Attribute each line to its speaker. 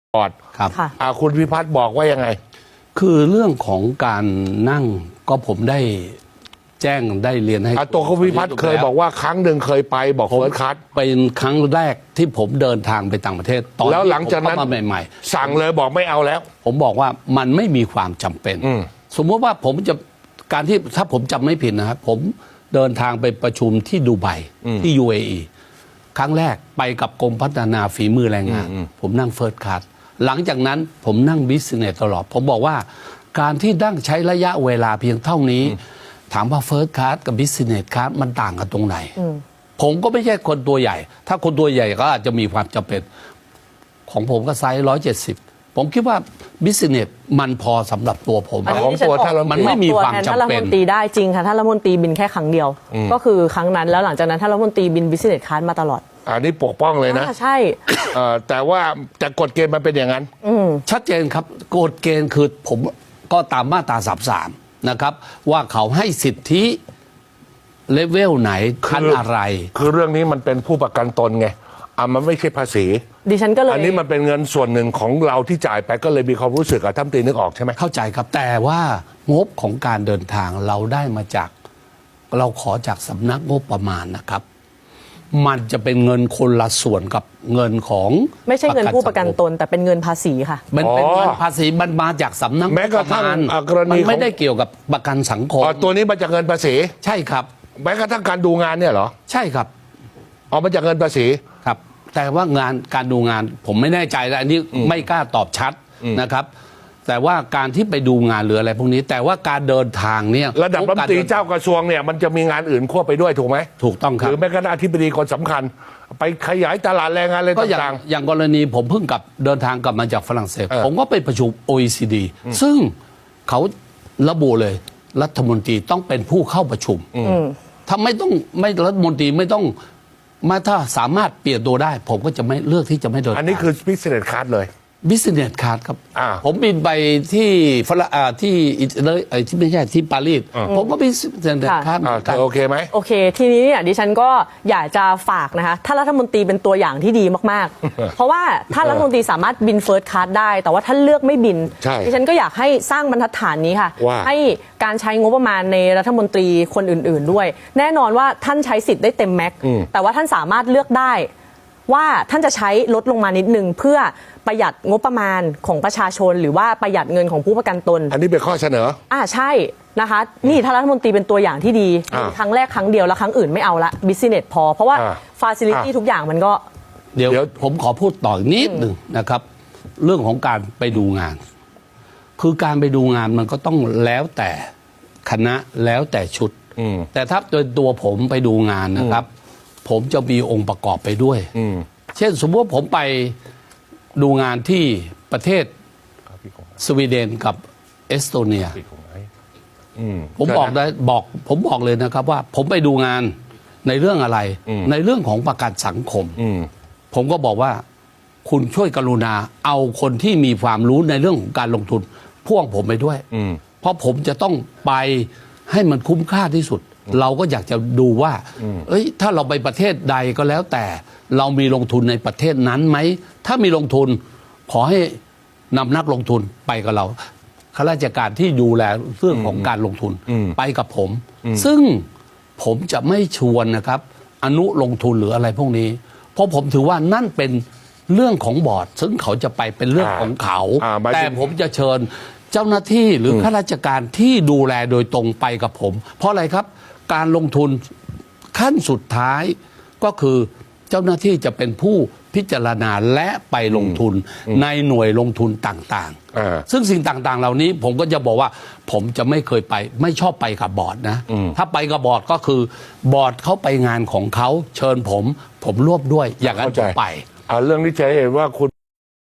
Speaker 1: บอร์ด
Speaker 2: ครับ
Speaker 1: คุณพิพัฒน์บอกว่ายังไง
Speaker 2: คือเรื่องของการนั่งก็ผมได้แจ้งได้เรียนให้
Speaker 1: ตัวคุณพิพัฒน์เคยบอกว่าครั้งหนึ่งเคยไปบอกเฟิร์สคลาส
Speaker 2: เป็นครั้งแรกที่ผมเดินทางไปต่างประเทศตอน
Speaker 1: แล้วหลังจากนั้น
Speaker 2: มาใหม่
Speaker 1: ๆสั่งเลยบอกไม่เอาแล้ว
Speaker 2: ผมบอกว่ามันไม่มีความจำเป็นสมมติว่าผมจะการที่ถ้าผมจำไม่ผิดนะครับผมเดินทางไปประชุมที่ดูไบที่ UAE ครั้งแรกไปกับกรมพัฒนาฝีมือแรงงานผมนั่งเฟิร์สคลาสหลังจากนั้นผมนั่งบิสเนสตลอดผมบอกว่าการที่นั่งใช้ระยะเวลาเพียงเท่านี้ถามว่าเฟิร์สคลาสกับบิสเนสคลาสมันต่างกันตรงไหนผมก็ไม่ใช่คนตัวใหญ่ถ้าคนตัวใหญ่ก็อาจจะมีความจำเป็นของผมก็ไซส์170ผมคิดว่าบิสเนสมันพอสำหรับตัวผม
Speaker 1: ของตัวท่าน
Speaker 2: มันไม่มีความจำเป็น
Speaker 3: ท่านรัฐมนตรีได้จริงค่ะท่านรัฐมนตรีบินแค่ครั้งเดียวก็คือครั้งนั้นแล้วหลังจากนั้นท่านรัฐมนตรีบินบิสเนสคลาสมาตลอด
Speaker 1: อันนี้ปกป้องเลยนะ
Speaker 3: ใช่
Speaker 1: แต่ว่าแต่กฎเกณฑ์มันเป็นอย่างนั้น
Speaker 2: ชัดเจนครับกฎเกณฑ์คือผมก็ตามมาตรา33นะครับว่าเขาให้สิทธิเลเวลไหนขั้นอะไร
Speaker 1: คือเรื่องนี้มันเป็นผู้ประกันตนไงมันไม่ใช่ภาษี
Speaker 3: ดิฉันก็เลย
Speaker 1: อันนี้มันเป็นเงินส่วนหนึ่งของเราที่จ่ายไปก็เลยมีความรู้สึกท่านตีนึกออกใช่ไหม
Speaker 2: เข้าใจครับแต่ว่างบของการเดินทางเราได้มาจากเราขอจากสำนักงบประมาณนะครับมันจะเป็นเงินคนละส่วนกับเงินของ
Speaker 3: ไม่ใช่เงินผู้ประกันตนแต่เป็นเงินภาษีค่ะ
Speaker 2: มันเป็นเงินภาษีมันมาจากสำนัก
Speaker 1: แม้กระทั่งกรณี
Speaker 2: มันไม่ได้เกี่ยวกับประกันสังคม
Speaker 1: ตัวนี้มาจากเงินภาษี
Speaker 2: ใช่ครับ
Speaker 1: แม้กระทั่งการดูงานเนี่ยเหรอ
Speaker 2: ใช่ครับ
Speaker 1: มาจากเงินภาษี
Speaker 2: ครับแต่ว่างานการดูงานผมไม่แน่ใจแล้วอันนี้ไม่กล้าตอบชัดนะครับแต่ว่าการที่ไปดูงานหรืออะไรพวกนี้แต่ว่าการเดินทางเนี่ย
Speaker 1: ระดับรัฐมนตรีเจ้ากระทรวงเนี่ยมันจะมีงานอื่นควบไปด้วยถูกไหม
Speaker 2: ถูกต้องครับ
Speaker 1: หรือแม้กระทั่งอธิบดีคนสำคัญไปขยายตลาดแรงงานอะไรต่าง
Speaker 2: ๆอย่างกรณีผมเพิ่งเดินทางกลับมาจากฝรั่งเศสผมก็ไปประชุม OECD ซึ่งเขาระบุเลยรัฐมนตรีต้องเป็นผู้เข้าประชุมถ้าไม่รัฐมนตรีไม่ต้องถ้าสามารถเปลี่ยนตัวได้ ผมก็จะไม่เลือกที่จะไม่เดิน
Speaker 1: อันนี้คือ business card เลย
Speaker 2: บิสเนสคลาสครับผมบินไปที่ที่ไม่ใช่ที่ปารีสผมก็บิสเนสคลาส
Speaker 1: โอเคไหม
Speaker 3: โอเคทีนี้เนี่ยดิฉันก็อยากจะฝากนะคะท่านรัฐมนตรีเป็นตัวอย่างที่ดีมากๆ เพราะว่าท่านรัฐมนตรีสามารถบินเฟิร์สคลาสได้แต่ว่าท่านเลือกไม่บินดิฉันก็อยากให้สร้างบรรทัดฐานนี้ค่ะให้การใช้งบประมาณในรัฐมนตรีคนอื่นๆด้วยแน่นอนว่าท่านใช้สิทธิ์ได้เต็มแม็กซ์แต่ว่าท่านสามารถเลือกได้ว่าท่านจะใช้ลดลงมานิดนึงเพื่อประหยัดงบประมาณของประชาชนหรือว่าประหยัดเงินของผู้ประกันตน
Speaker 1: อันนี้เป็นข้อเสนอ
Speaker 3: ใช่นะคะนี่ท่านรัฐมนตรีเป็นตัวอย่างที่ดีครั้งแรกครั้งเดียวแล้วครั้งอื่นไม่เอาละบิสเนสพอเพราะว่าฟาซิลิตี้ทุกอย่างมันก็
Speaker 2: เดี๋ยวผมขอพูดต่ออีกนิดหนึ่งนะครับเรื่องของการไปดูงานคือการไปดูงานมันก็ต้องแล้วแต่คณะแล้วแต่ชุดแต่ถ้าโดยตัวผมไปดูงานนะครับผมจะมีองค์ประกอบไปด้วยเช่นสมมติว่าผมไปดูงานที่ประเทศสวีเดนกับเอสโตเนียผมบอกเลยนะครับว่าผมไปดูงานในเรื่องอะไรในเรื่องของประกันสังคมผมก็บอกว่าคุณช่วยกรุณาเอาคนที่มีความรู้ในเรื่องของการลงทุนพ่วงผมไปด้วยเพราะผมจะต้องไปให้มันคุ้มค่าที่สุดเราก็อยากจะดูว่าถ้าเราไปประเทศใดก็แล้วแต่เรามีลงทุนในประเทศนั้นไหมถ้ามีลงทุนขอให้นำนักลงทุนไปกับเราข้าราชการที่ดูแลเรื่องของการลงทุนไปกับผมซึ่งผมจะไม่ชวนนะครับอนุลงทุนหรืออะไรพวกนี้เพราะผมถือว่านั่นเป็นเรื่องของบอร์ดซึ่งเขาจะไปเป็นเรื่องของเขาแต่ผมจะเชิญเจ้าหน้าที่หรือข้าราชการที่ดูแลโดยตรงไปกับผมเพราะอะไรครับการลงทุนขั้นสุดท้ายก็คือเจ้าหน้าที่จะเป็นผู้พิจารณาและไปลงทุนในหน่วยลงทุนต่างๆซึ่งสิ่งต่างๆเหล่านี้ผมก็จะบอกว่าผมจะไม่เคยไปไม่ชอบไปกับบอร์ดนะถ้าไปกับบอร์ดก็คือบอร์ดเขาไปงานของเขาเชิญผมร่วมด้วยอย่างนั้นผมไป
Speaker 1: เรื่องนี้จะเห็นว่าคุณ